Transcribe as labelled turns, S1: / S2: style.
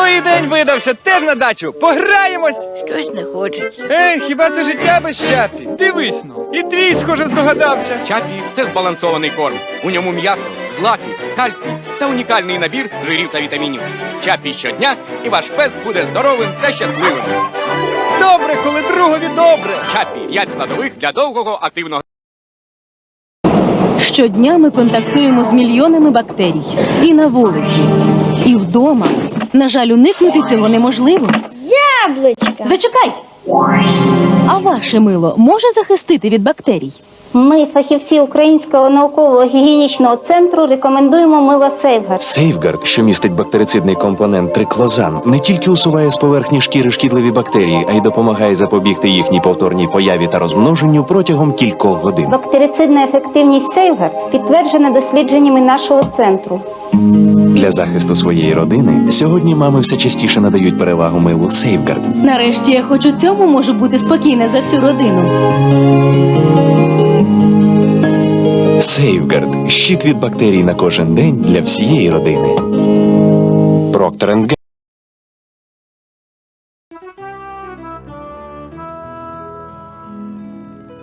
S1: Ну і день видався, теж на дачу. Пограємось.
S2: Щось не хочеться.
S1: Хіба це життя без Чапі? Дивись ну. І твій, схоже, здогадався.
S3: Чапі – це збалансований корм. У ньому м'ясо, злаки, кальцій та унікальний набір жирів та вітамінів. Чапі щодня, і ваш пес буде здоровим та щасливим.
S1: Добре, коли другові добре.
S3: Чапі – 5 складових для довгого активного.
S4: Щодня ми контактуємо з мільйонами бактерій. І на вулиці, і вдома. На жаль, уникнути цього неможливо.
S2: Яблучка!
S4: Зачекай! А ваше мило може захистити від бактерій?
S5: Ми, фахівці Українського науково-гігієнічного центру, рекомендуємо мило Сейфгард.
S6: Сейфгард, що містить бактерицидний компонент триклозан, не тільки усуває з поверхні шкіри шкідливі бактерії, а й допомагає запобігти їхній повторній появі та розмноженню протягом кількох годин.
S5: Бактерицидна ефективність Сейфгард підтверджена дослідженнями нашого центру.
S6: Для захисту своєї родини сьогодні мами все частіше надають перевагу милу Сейфгард.
S4: Нарешті я хоч у цьому можу бути спокійна за всю родину.
S6: Сейфгард – щит від бактерій на кожен день для всієї родини. Procter & Gamble.